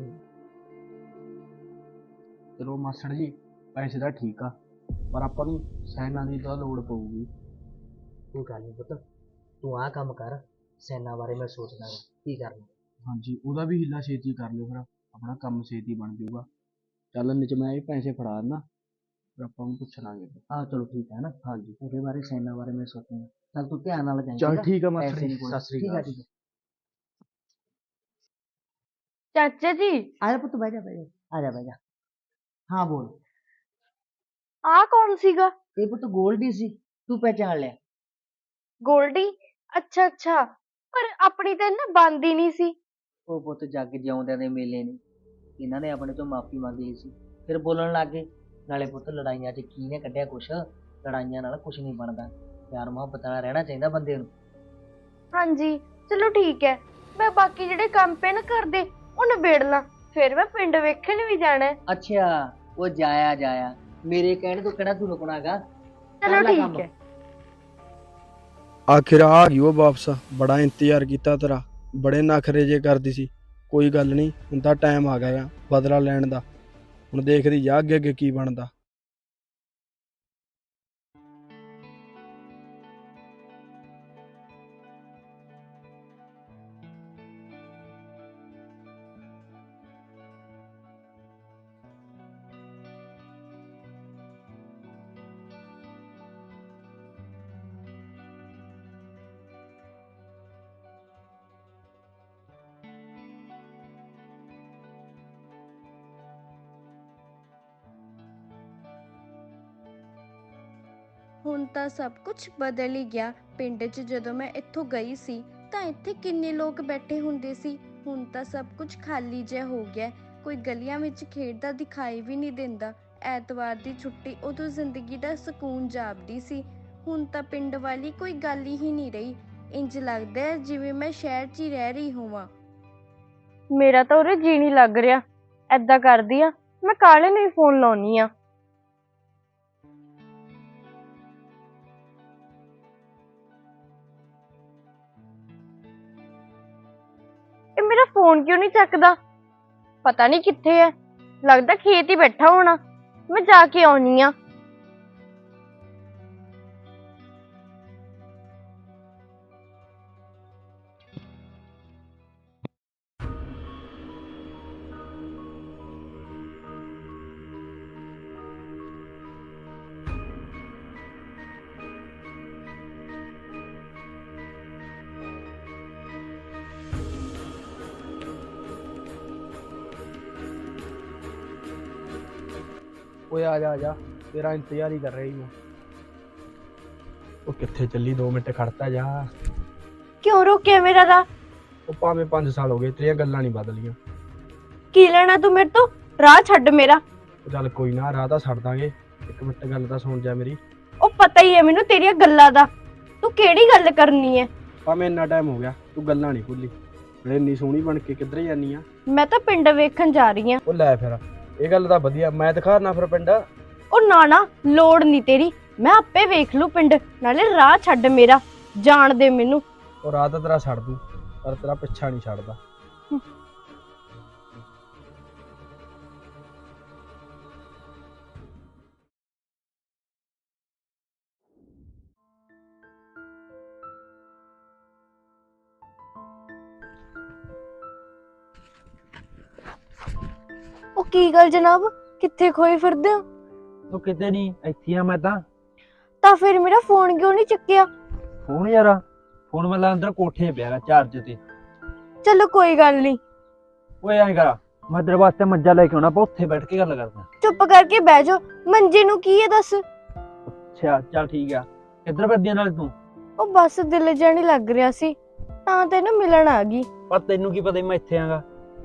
S2: ਚਲੋ ਮਾਸੜ ਜੀ ਪੈਸੇ ਦਾ ਠੀਕ ਆ, ਪਰ ਆਪਾਂ ਨੂੰ ਸਾਈਨਾਂ ਦੀ ਤਾਂ ਲੋੜ ਪਊਗੀ।
S4: ਕੋਈ ਗੱਲ ਨਹੀਂ ਪੁੱਤ, ਤੂੰ ਆਹ ਕੰਮ ਕਰ, ਸੈਨਾ ਬਾਰੇ ਮੈਂ ਸੋਚਦਾ ਗਾ ਕੀ ਕਰਨਾ।
S2: ਹਾਂਜੀ, ਉਹਦਾ ਵੀ ਹਿੱਲਾ ਛੇਤੀ ਕਰ ਲਿਓ, ਫਿਰ ਆਪਣਾ ਕੰਮ ਛੇਤੀ ਬਣ ਜਾਊਗਾ। ਚੱਲ ਨਿਚ ਮੈਂ ਇਹ ਪੈਸੇ ਫੜਾ ਦਿੰਦਾ, ਫਿਰ ਆਪਾਂ ਨੂੰ ਪੁੱਛ ਲਾਂਗੇ।
S4: ਆਹ ਚਲੋ ਠੀਕ ਹੈ ਨਾ,
S2: ਹਾਂਜੀ
S4: ਉਹਦੇ ਬਾਰੇ ਸੈਨਾ ਬਾਰੇ ਮੈਂ ਸੋਚੂੰਗਾ। ਚੱਲ ਤੂੰ ਧਿਆਨ ਨਾਲ ਜਾਈਂ।
S2: ਚੱਲ ਠੀਕ ਆ ਮਾਸਟਰ
S4: ਪੈਸੇ
S2: ਜੀ,
S4: ਨੀ ਕੋਈ-
S2: ਸਤਿ ਸ੍ਰੀ
S4: ਠੀਕ ਆ
S2: ਅਕਾਲ।
S4: ਠੀਕ ਆ।
S3: ਚਾਚਾ ਜੀ,
S4: ਆ ਜਾ ਪੁੱਤ, ਬਹਿ ਜਾ ਬਹਿ ਜਾ, ਆ ਜਾ ਬਹਿ ਜਾ। ਹਾਂ ਬੋਲ।
S3: ਆਹ ਕੌਣ ਸੀਗਾ?
S4: ਇਹ ਪੁੱਤ ਗੋਲਡੀ ਸੀ, ਤੂੰ ਪਹਿਚਾਣ ਲਿਆ?
S3: ਗੋਲਡੀ? ਅੱਛਾ ਅੱਛਾ, ਪਰ ਆਪਣੀ ਤਾਂ ਨਾ ਬਣਦੀ ਨਹੀਂ ਸੀ।
S4: ਉਹ ਪੁੱਤ ਜੱਗ ਜਿਉਂਦਿਆਂ ਦੇ ਮੇਲੇ ਨੇ, ਇਹਨਾਂ ਨੇ ਆਪਣੇ ਤੋਂ ਮਾਫੀ ਮੰਗ ਲਈ ਸੀ, ਫਿਰ ਬੋਲਣ ਲੱਗ ਗਏ। ਨਾਲੇ ਪੁੱਤ ਲੜਾਈਆਂ 'ਚ ਕੀ ਨੇ ਕੱਢਿਆ ਕੁਛ, ਲੜਾਈਆਂ ਨਾਲ ਕੁਛ ਨਹੀਂ ਬਣਦਾ, ਪਿਆਰ ਮੁਹੱਬਤ ਨਾਲ ਰਹਿਣਾ ਚਾਹੀਦਾ ਬੰਦੇ ਨੂੰ।
S3: ਹਾਂਜੀ ਚਲੋ ਠੀਕ ਹੈ, ਮੈਂ ਬਾਕੀ ਜਿਹੜੇ ਕੰਮ ਪਏ ਨਾ ਕਰਦੇ ਉਹ ਨਿਬੇੜ ਲਾਂ, ਫਿਰ ਮੈਂ ਪਿੰਡ ਵੇਖਣ ਵੀ ਜਾਣਾ ਹੈ।
S4: ਅੱਛਾ, ਉਹ ਜਾਇਆ ਜਾਇਆ, ਮੇਰੇ ਕਹਿਣੇ ਤੋਂ ਕਿਹੜਾ ਤੂੰ ਰੁਕਣਾਗਾ?
S3: ਚਲੋ ਠੀਕ ਹੈ।
S5: ਆਖਿਰ ਆ ਗਈ ਉਹ ਵਾਪਸ। ਬੜਾ ਇੰਤਜ਼ਾਰ ਕੀਤਾ ਤੇਰਾ, ਬੜੇ ਨਖਰੇ ਜੇ ਕਰਦੀ ਸੀ। ਕੋਈ ਗੱਲ ਨਹੀਂ, ਹੁਣ ਤਾਂ ਟਾਈਮ ਆ ਗਿਆ ਬਦਲਾ ਲੈਣ ਦਾ। ਹੁਣ ਦੇਖਦੀ ਜਾ ਅੱਗੇ ਅੱਗੇ ਕੀ ਬਣਦਾ।
S6: ਹੁਣ ਤਾਂ ਸਭ ਕੁਝ ਬਦਲ ਹੀ ਗਿਆ। ਪਿੰਡ 'ਚ ਜਦੋਂ ਮੈਂ ਇੱਥੋਂ ਗਈ ਸੀ ਤਾਂ ਇੱਥੇ ਕਿੰਨੇ ਲੋਕ ਬੈਠੇ ਹੁੰਦੇ ਸੀ, ਹੁਣ ਤਾਂ ਸਭ ਕੁਝ ਖਾਲੀ ਜਿਹਾ ਹੋ ਗਿਆ। ਕੋਈ ਗਲੀਆਂ ਵਿੱਚ ਖੇਡਦਾ ਦਿਖਾਈ ਵੀ ਨਹੀਂ ਦਿੰਦਾ। ਐਤਵਾਰ ਦੀ ਛੁੱਟੀ ਉਦੋਂ ਜ਼ਿੰਦਗੀ ਦਾ ਸਕੂਨ ਜਾਪਦੀ ਸੀ, ਹੁਣ ਤਾਂ ਪਿੰਡ ਵਾਲੀ ਕੋਈ ਗੱਲ ਹੀ ਨਹੀਂ ਰਹੀ। ਇੰਜ ਲੱਗਦਾ ਹੈ ਜਿਵੇਂ ਮੈਂ ਸ਼ਹਿਰ 'ਚ ਹੀ ਰਹਿ ਰਹੀ ਹੋਵਾਂ।
S3: ਮੇਰਾ ਤਾਂ ਉਰੇ ਜੀ ਨਹੀਂ ਲੱਗ ਰਿਹਾ। ਏਦਾਂ ਕਰਦੀ ਆ, ਮੈਂ ਕਾਲੇ ਨੂੰ ਹੀ ਫੋਨ ਲਾਉਣੀ ਆ। ਇਹ ਮੇਰਾ ਫੋਨ ਕਿਉਂ ਨਹੀਂ ਚੱਕਦਾ? ਪਤਾ ਨਹੀਂ ਕਿੱਥੇ ਹੈ, ਲੱਗਦਾ ਖੇਤ ਹੀ ਬੈਠਾ ਹੋਣਾ। ਮੈਂ ਜਾ ਕੇ ਆਉਣੀ ਆ।
S5: ਓਏ ਆ ਜਾ ਆ ਜਾ, ਤੇਰਾ ਇੰਤਜ਼ਾਰ ਹੀ ਕਰ ਰਹੀ ਮੈਂ। ਉਹ ਕਿੱਥੇ ਚੱਲੀ, ਦੋ ਮਿੰਟ ਖੜਤਾ ਜਾ।
S3: ਕਿਉਂ ਰੋਕਿਆ ਮੇਰਾ ਰਾਹ?
S5: ਉਹ ਭਾਵੇਂ ਪੰਜ ਸਾਲ ਹੋ ਗਏ, ਤੇਰੀਆਂ ਗੱਲਾਂ ਨਹੀਂ ਬਦਲੀਆਂ।
S3: ਕੀ ਲੈਣਾ ਤੂੰ ਮੇਰੇ ਤੋਂ? ਰਾਹ ਛੱਡ ਮੇਰਾ।
S5: ਉਹ ਚੱਲ ਕੋਈ ਨਾ, ਰਾਹ ਤਾਂ ਛੱਡ ਦਾਂਗੇ। ਇੱਕ ਮਿੰਟ ਗੱਲ ਤਾਂ ਸੁਣ ਜਾ ਮੇਰੀ।
S3: ਉਹ ਪਤਾ ਹੀ ਹੈ ਮੈਨੂੰ ਤੇਰੀਆਂ ਗੱਲਾਂ ਦਾ, ਤੂੰ ਕਿਹੜੀ ਗੱਲ ਕਰਨੀ ਹੈ?
S5: ਭਾਵੇਂ ਇੰਨਾ ਟਾਈਮ ਹੋ ਗਿਆ, ਤੂੰ ਗੱਲਾਂ ਨਹੀਂ ਭੁੱਲੀ। ਨਾਲੇ ਇੰਨੀ ਸੋਹਣੀ ਬਣ ਕੇ ਕਿੱਧਰ ਜਾਨੀ ਆ?
S3: ਮੈਂ ਤਾਂ ਪਿੰਡ ਵੇਖਣ ਜਾ ਰਹੀ ਹਾਂ।
S5: ਉਹ ਲੈ ਫਿਰ, ਇਹ ਗੱਲ ਤਾਂ ਵਧੀਆ, ਮੈਂ ਦਿਖਾਣਾ ਫਿਰ ਪਿੰਡ।
S3: ਉਹ ਨਾ ਨਾ, ਲੋੜ ਨਹੀਂ ਤੇਰੀ, ਮੈਂ ਆਪੇ ਵੇਖ ਲੂ ਪਿੰਡ। ਨਾਲੇ ਰਾਹ ਛੱਡ ਮੇਰਾ, ਜਾਣ ਦੇ ਮੈਨੂੰ।
S5: ਉਹ ਰਾਹ ਤਾਂ ਤੇਰਾ ਛੱਡ ਦੂੰ, ਪਰ ਤੇਰਾ ਪਿੱਛਾ ਨਹੀਂ ਛੱਡਦਾ।
S3: ਉਹ ਕੀ ਗੱਲ ਜਨਾਬ, ਕਿੱਥੇ ਖੋਏ ਫਿਰਦੇ ਹੋ?
S2: ਉਹ ਕਿਤੇ ਨਹੀਂ, ਇੱਥੇ ਆ ਮੈਂ ਤਾਂ।
S3: ਤਾਂ ਫਿਰ ਮੇਰਾ ਫੋਨ ਕਿਉਂ ਨਹੀਂ ਚੱਕਿਆ?
S2: ਫੋਨ ਯਾਰ, ਫੋਨ ਮੈਂ ਅੰਦਰ ਕੋਠੇ ਪਿਆ ਚਾਰਜ ਤੇ।
S3: ਚਲੋ ਕੋਈ ਗੱਲ ਨਹੀਂ,
S2: ਓਏ ਐਂ ਕਰ, ਮੈਂ ਤੇਰੇ ਵਾਸਤੇ ਮੰਜਾ ਲੈ ਕੇ ਆਉਣਾ, ਆਪਾਂ ਉੱਥੇ ਬੈਠ ਕੇ ਗੱਲ ਕਰਦੇ।
S3: ਚੁੱਪ ਕਰਕੇ ਬਹਿ ਜਾ। ਮੰਜੇ ਨੂੰ ਕੀ ਹੈ ਦੱਸ?
S2: ਅੱਛਾ ਚੱਲ ਠੀਕ ਆ। ਕਿੱਧਰ ਫਿਰਦੀ ਨਾਲ ਤੂੰ?
S3: ਉਹ ਬਸ ਦਿਲ ਜਿਹਾ ਨੀ ਲੱਗ ਰਿਹਾ ਸੀ, ਤਾਂ ਤੈਨੂੰ ਮਿਲਣ ਆ ਗਈ।
S2: ਪਰ ਤੈਨੂੰ ਕੀ ਪਤਾ ਮੈਂ ਇੱਥੇ ਆਂਗਾ?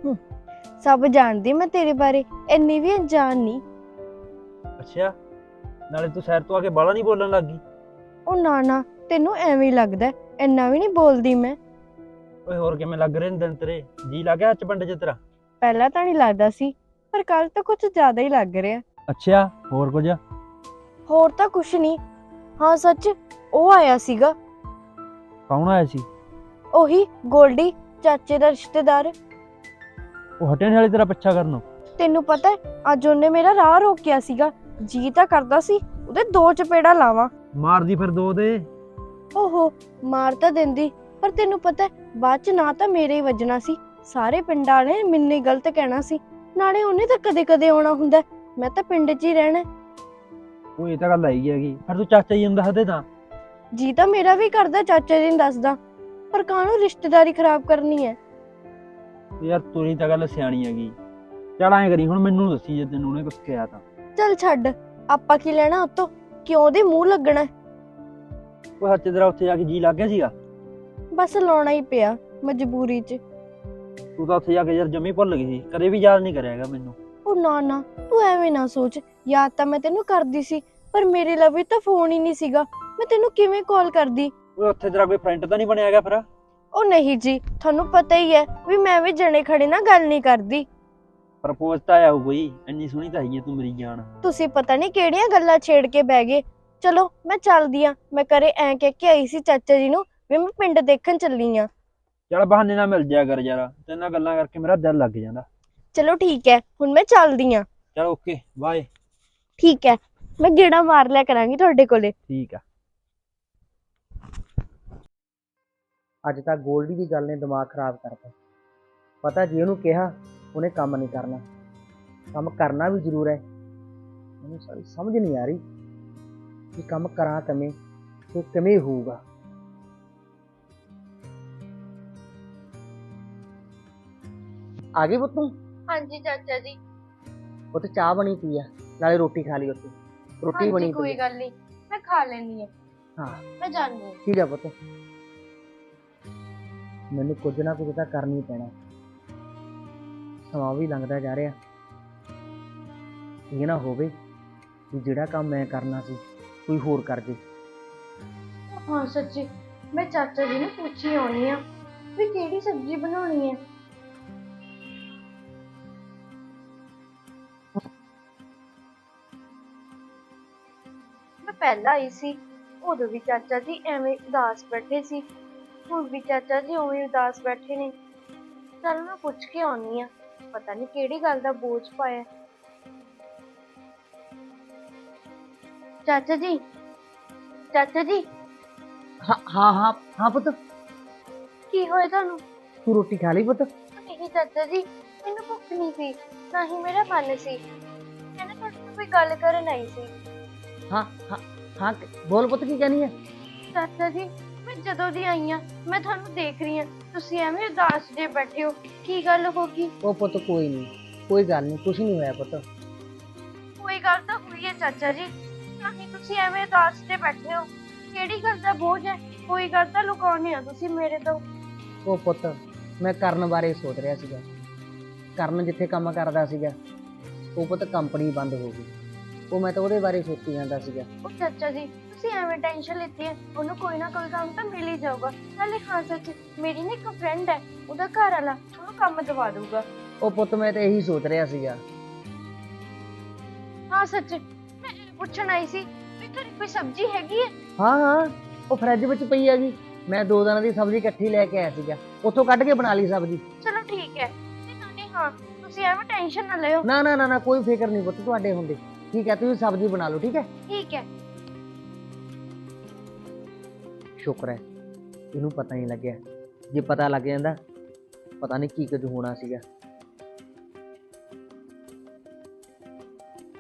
S3: ਸਭ ਜਾਣਦੀ ਮੈਂ ਤੇਰੇ ਬਾਰੇ, ਇੰਨੀ ਵੀ ਅਣਜਾਣ ਨਹੀਂ।
S2: ਅੱਛਾ, ਨਾਲੇ ਤੂੰ ਸ਼ਹਿਰ ਤੋਂ ਆ ਕੇ ਬਾਹਲਾ ਨਹੀਂ ਬੋਲਣ ਲੱਗ ਗਈ?
S3: ਉਹ ਨਾ ਨਾ, ਤੈਨੂੰ ਐਵੇਂ ਹੀ ਲੱਗਦਾ, ਇੰਨਾ ਵੀ ਨਹੀਂ ਬੋਲਦੀ ਮੈਂ।
S2: ਓਏ ਹੋਰ ਕਿਵੇਂ ਲੱਗ ਰਹੇ ਨੇ ਦਿਨ ਤੇਰੇ? ਜੀ ਲੱਗ ਗਿਆ ਅੱਜ ਪਿੰਡ 'ਚ ਤੇਰਾ?
S3: ਪਹਿਲਾਂ ਤਾਂ ਨਹੀਂ ਲੱਗਦਾ ਸੀ, ਪਰ ਕੱਲ ਤਾਂ ਕੁਝ ਜ਼ਿਆਦਾ ਹੀ ਲੱਗ ਰਿਹਾ।
S2: ਅੱਛਾ, ਹੋਰ ਕੁਝ?
S3: ਹੋਰ ਤਾਂ ਕੁਝ ਨਹੀਂ। ਹਾਂ ਸੱਚ, ਉਹ ਆਇਆ ਸੀਗਾ।
S2: ਕੌਣ ਆਇਆ ਸੀ?
S3: ਉਹੀ ਗੋਲਡੀ, ਚਾਚੇ ਦਾ ਰਿਸ਼ਤੇਦਾਰ।
S2: ਉਹ ਹਟਿਆ ਨੀ ਹਾਲੇ ਤੇਰਾ ਪਿੱਛਾ ਕਰਨੋਂ?
S3: ਤੈਨੂੰ ਪਤਾ ਹੈ, ਅੱਜ ਉਹਨੇ ਮੇਰਾ ਰਾਹ ਰੋਕਿਆ ਸੀਗਾ। ਜੀ ਤਾਂ ਕਰਦਾ ਸੀ ਉਹਦੇ ਦੋ ਚਪੇੜਾ ਲਾਵਾਂ।
S2: ਮਾਰਦੀ ਫਿਰ ਦੋ ਦੇ।
S3: ਓਹੋ, ਮਾਰ ਤਾਂ ਦਿੰਦੀ, ਪਰ ਤੈਨੂੰ ਪਤਾ ਹੈ, ਬਾਅਦ ਚ ਨਾ ਤਾਂ ਮੇਰੇ ਹੀ ਵੱਜਣਾ ਸੀ, ਸਾਰੇ ਪਿੰਡਾਂ ਨੇ ਮੈਨੂੰ ਹੀ ਗਲਤ ਕਹਿਣਾ ਸੀ। ਨਾਲੇ ਉਹਨੇ ਤਾਂ ਕਦੇ ਕਦੇ ਆਉਣਾ ਹੁੰਦਾ, ਮੈਂ ਤਾਂ ਪਿੰਡ 'ਚ ਹੀ ਰਹਿਣਾ।
S2: ਉਹ ਇਹ ਤਾਂ ਗੱਲ ਆਈ ਹੈਗੀ, ਫਿਰ ਤੂੰ ਚਾਚਾ ਜੀ ਨੂੰ ਦੱਸ ਦੇ ਤਾਂ।
S3: ਜੀ ਤਾਂ ਮੇਰਾ ਵੀ ਕਰਦਾ ਚਾਚਾ ਜੀ ਨੂੰ ਦੱਸਦਾ, ਪਰ ਕਾਹਨੂੰ ਰਿਸ਼ਤੇਦਾਰੀ ਖਰਾਬ ਕਰਨੀ ਹੈ।
S2: ਯਾਰ ਤੇਰੀ ਤਾਂ ਗੱਲ ਸਿਆਣੀ ਹੈਗੀ। ਚੱਲ ਐਂ ਕਰੀ, ਹੁਣ ਮੈਨੂੰ ਦੱਸੀ ਜੇ ਤੈਨੂੰ ਉਹਨੇ ਕੁਝ ਕਿਹਾ ਤਾਂ।
S3: ਚੱਲ ਛੱਡ, ਆਪਾਂ ਕੀ ਲੈਣਾ ਉਤੋਂ, ਕਿਉਂ ਉਹਦੇ ਮੂੰਹ ਲੱਗਣਾ?
S2: ਉਹ ਹੱਥ ਤੇਰਾ ਉੱਥੇ ਜਾ ਕੇ ਜੀ ਲੱਗ ਗਿਆ ਸੀਗਾ?
S3: ਬਸ ਲਾਉਣਾ ਹੀ ਪਿਆ ਮਜਬੂਰੀ 'ਚ।
S2: ਤੂੰ ਤਾਂ ਉੱਥੇ ਜਾ ਕੇ ਯਾਰ ਜਮੀ ਭੁੱਲ ਗਈ ਸੀ, ਕਦੇ ਵੀ ਯਾਦ ਨਹੀਂ ਕਰਿਆ ਹੈਗਾ ਮੈਨੂੰ।
S3: ਉਹ ਨਾ ਨਾ, ਤੂੰ ਐਵੇਂ ਨਾ ਸੋਚ, ਯਾਦ ਤਾਂ ਮੈਂ ਤੈਨੂੰ ਕਰਦੀ ਸੀ, ਪਰ ਮੇਰੇ ਲਵੇ ਤਾਂ ਫੋਨ ਹੀ ਨਹੀਂ ਸੀਗਾ, ਮੈਂ ਤੈਨੂੰ ਕਿਵੇਂ ਕਾਲ ਕਰਦੀ?
S2: ਓਏ ਉੱਥੇ ਤੇਰਾ ਕੋਈ ਫਰੈਂਡ ਤਾਂ ਨਹੀਂ ਬਣਿਆ ਹੈਗਾ ਫਿਰ?
S3: ਉਹ ਨਹੀਂ ਜੀ, ਤੁਹਾਨੂੰ ਪਤਾ ਹੀ ਹੈ ਵੀ ਮੈਂ ਵੀ ਜਣੇ ਖੜੇ ਨਾਲ ਗੱਲ ਨਹੀਂ ਕਰਦੀ।
S2: ਪ੍ਰਪੋਜ਼ ਤਾਂ ਆਇਆ ਹੋਊ ਕੋਈ, ਇੰਨੀ ਸੋਹਣੀ ਤਾਂ ਹੈਗੀ ਹੈ ਤੂੰ ਮੇਰੀ ਜਾਨ।
S3: ਤੁਸੀਂ ਪਤਾ ਨਹੀਂ ਕਿਹੜੀਆਂ ਗੱਲਾਂ ਛੇੜ ਕੇ ਬਹਿ ਗਏ। ਚਲੋ ਮੈਂ ਚੱਲਦੀ ਆ, ਮੈਂ ਘਰੇ ਐਂ ਕਹਿ ਕੇ ਆਈ ਸੀ ਚਾਚਾ ਜੀ ਨੂੰ ਵੀ ਮੈਂ ਪਿੰਡ ਦੇਖਣ ਚੱਲੀ ਆ।
S2: ਚੱਲ ਬਹਾਨੇ ਨਾਲ ਮਿਲ ਜਾਇਆ ਕਰ ਯਾਰ, ਤੇਰੇ ਨਾਲ ਗੱਲਾਂ ਕਰਕੇ ਮੇਰਾ ਦਿਲ ਲੱਗ ਜਾਂਦਾ।
S3: ਚਲੋ ਠੀਕ ਹੈ, ਹੁਣ ਮੈਂ ਚੱਲਦੀ ਆ।
S2: ਚਲ ਓਕੇ ਬਾਏ।
S3: ਠੀਕ ਹੈ, ਮੈਂ ਗੇੜਾ ਮਾਰ ਲਿਆ ਕਰਾਂਗੀ ਤੁਹਾਡੇ ਕੋਲੇ।
S2: ਠੀਕ ਆ।
S4: ਅੱਜ ਤਾਂ ਗੋਲਡੀ ਦੀ ਗੱਲ ਨੇ ਦਿਮਾਗ ਖਰਾਬ ਕਰਤਾ। ਪਤਾ ਜੇ ਉਹਨੂੰ ਕਿਹਾ ਉਹਨੇ ਕੰਮ ਨਹੀਂ ਕਰਨਾ, ਕੰਮ ਕਰਨਾ ਵੀ ਜ਼ਰੂਰ ਹੈ। ਮੈਨੂੰ ਸਾਰੀ ਸਮਝ ਨਹੀਂ ਆ ਰਹੀ ਕਿ ਕੰਮ ਕਰਾਂ ਕਿਵੇਂ ਤੇ ਕਿਵੇਂ ਹੋਊਗਾ। ਆ ਗਈ ਪੁੱਤ ਤੂੰ?
S3: ਹਾਂਜੀ ਚਾਚਾ ਜੀ।
S4: ਉੱਥੇ ਚਾਹ ਬਣੀ ਪਈ ਆ, ਨਾਲੇ ਰੋਟੀ ਖਾ ਲਈ। ਉੱਥੇ ਰੋਟੀ ਬਣੀ
S3: ਕੋਈ
S4: ਪਈ ਆ।
S3: ਗੱਲ ਨਹੀਂ, ਮੈਂ ਖਾ ਲੈਣੀ ਹੈ।
S4: ਹਾਂ
S3: ਮੈਂ ਜਾਂਦੀ ਹਾਂ।
S4: ਠੀਕ ਆ ਪੁੱਤ, ਮੈਨੂੰ ਕੁਝ ਨਾ ਕੁਝ ਤਾਂ ਕਰਨਾ ਹੀ ਪੈਣਾ। ਸਮਾਂ ਵੀ ਲੰਘਦਾ ਜਾ ਰਿਹਾ, ਇਹ ਨਾ ਹੋਵੇ ਕਿ ਜਿਹੜਾ ਕੰਮ ਮੈਂ ਕਰਨਾ ਸੀ ਕੋਈ ਹੋਰ ਕਰ ਦੇ।
S3: ਹਾਂ ਸੱਚੀ, ਮੈਂ ਚਾਚਾ ਜੀ ਨੂੰ ਪੁੱਛੀ ਆਉਣੀ ਆ ਵੀ ਕਿਹੜੀ ਸਬਜ਼ੀ ਬਣਾਉਣੀ ਹੈ। ਮੈਂ ਪਹਿਲਾਂ ਆਈ ਸੀ, ਉਦੋਂ ਵੀ ਚਾਚਾ ਜੀ ਐਵੇਂ ਉਦਾਸ ਬੈਠੇ ਸੀ, ਹੁਣ ਵੀ ਚਾਚਾ ਜੀ ਉਵੇਂ ਉਦਾਸ ਬੈਠੇ ਨੇ। ਚੱਲ ਮੈਂ ਪੁੱਛ ਕੇ ਆਉਣੀ ਆ, ਪਤਾ ਨਹੀਂ ਕਿਹੜੀ ਗੱਲ ਦਾ ਬੋਝ ਪਾਇਆ। ਚਾਚਾ ਜੀ, ਚਾਚਾ ਜੀ।
S4: ਹਾਂ ਹਾਂ ਹਾਂ ਹਾਂ ਪੁੱਤ,
S3: ਕੀ ਹੋਇਆ ਤੁਹਾਨੂੰ?
S4: ਤੂੰ ਰੋਟੀ ਖਾ ਲਈ ਪੁੱਤ?
S3: ਨਹੀਂ ਚਾਚਾ ਜੀ, ਮੈਨੂੰ ਭੁੱਖ ਨਹੀਂ ਸੀ, ਨਾ ਹੀ ਮੇਰਾ ਮਨ ਸੀ। ਮੈਂ ਨਾ ਤੁਹਾਡੇ ਨਾਲ ਕੋਈ ਗੱਲ ਕਰਨ ਆਈ ਸੀ।
S4: ਹਾਂ ਹਾਂ ਹਾਂ ਬੋਲ ਪੁੱਤ, ਕੀ ਕਹਿਣੀ ਹੈ?
S3: ਚਾਚਾ ਜੀ, ਮੈਂ ਜਦੋਂ ਦੀ ਆਈ ਆ ਮੈਂ ਤੁਹਾਨੂੰ ਦੇਖ ਰਹੀ ਹਾਂ, ਤੁਸੀਂ ਐਵੇਂ ਉਦਾਸ ਜੇ ਬੈਠੇ ਹੋ, ਕੀ ਗੱਲ ਹੋ ਗਈ?
S4: ਉਹ ਪੁੱਤ ਕੋਈ ਨਹੀਂ, ਕੋਈ ਗੱਲ ਨਹੀਂ, ਕੁਛ ਨਹੀਂ ਹੋਇਆ ਪੁੱਤ।
S3: ਕੋਈ ਗੱਲ ਤਾਂ ਹੋਈ ਹੈ ਚਾਚਾ ਜੀ, ਤਾਂ ਹੀ ਤੁਸੀਂ ਐਵੇਂ ਉਦਾਸ ਤੇ ਬੈਠੇ ਹੋ। ਕਿਹੜੀ ਗੱਲ ਦਾ ਬੋਝ ਹੈ? ਕੋਈ ਗੱਲ ਤਾਂ ਲੁਕਾਉਣੀ ਆ ਤੁਸੀਂ ਮੇਰੇ ਤੋਂ।
S4: ਉਹ ਪੁੱਤ, ਮੈਂ ਕਰਨ ਬਾਰੇ ਸੋਚ ਰਿਹਾ ਸੀਗਾ। ਕਰਨ ਜਿੱਥੇ ਕੰਮ ਕਰਦਾ ਸੀਗਾ, ਉਹ ਪੁੱਤ ਕੰਪਨੀ ਬੰਦ ਹੋ ਗਈ। ਉਹ ਮੈਂ ਤਾਂ ਉਹਦੇ ਬਾਰੇ ਸੋਚੀ ਜਾਂਦਾ ਸੀਗਾ।
S3: ਉਹ ਚਾਚਾ ਜੀ ਤੁਸੀਂ ਐਵੇਂ ਟੈਨਸ਼ਨ ਲਿੱਤੀ ਹੈ, ਉਹਨੂੰ ਕੋਈ ਨਾ ਕੋਈ ਕੰਮ ਤਾਂ ਮਿਲ ਹੀ ਜਾਊਗਾ। ਨਾਲੇ ਹਾਂ ਸੱਚ, ਮੇਰੀ ਨਾ ਇੱਕ ਫਰੈਂਡ ਹੈ, ਉਹਦਾ ਘਰ ਵਾਲਾ ਉਹਨੂੰ ਕੰਮ ਦਵਾ ਦਊਗਾ।
S4: ਉਹ ਪੁੱਤ ਮੈਂ ਤਾਂ ਇਹੀ ਸੋਚ ਰਿਹਾ ਸੀਗਾ।
S3: ਹਾਂ ਸੱਚ, ਮੈਂ ਇਹ ਪੁੱਛਣ ਆਈ ਸੀ ਵੀ ਘਰੇ ਕੋਈ ਸਬਜ਼ੀ ਹੈਗੀ ਹੈ?
S4: ਹਾਂ ਹਾਂ, ਉਹ ਫਰਿੱਜ ਵਿੱਚ ਪਈ ਹੈਗੀ। ਮੈਂ ਦੋ ਦਿਨਾਂ ਦੀ ਸਬਜ਼ੀ ਇਕੱਠੀ ਲੈ ਕੇ ਆਇਆ ਸੀਗਾ, ਉੱਥੋਂ ਕੱਢ ਕੇ ਬਣਾ ਲਈ ਸਬਜ਼ੀ।
S3: ਚਲੋ ਠੀਕ ਹੈ। ਤੇ ਨਾਲੇ ਹਾਂ, ਤੁਸੀਂ ਐਵੇਂ ਟੈਨਸ਼ਨ ਨਾ ਲਿਓ।
S4: ਨਾ ਨਾ ਨਾ ਨਾ, ਕੋਈ ਫਿਕਰ ਨਹੀਂ ਪੁੱਤ ਤੁਹਾਡੇ ਹੁੰਦੇ। ਠੀਕ ਹੈ, ਤੁਸੀਂ ਸਬਜ਼ੀ ਬਣਾ ਲਓ। ਠੀਕ ਹੈ,
S3: ਠੀਕ ਹੈ।
S4: ਸ਼ੁਕਰ ਹੈ ਇਹਨੂੰ ਪਤਾ ਨਹੀਂ ਲੱਗਿਆ। ਜੇ ਪਤਾ ਲੱਗ ਜਾਂਦਾ, ਪਤਾ ਨਹੀਂ ਕੀ ਕੁਝ ਹੋਣਾ ਸੀਗਾ।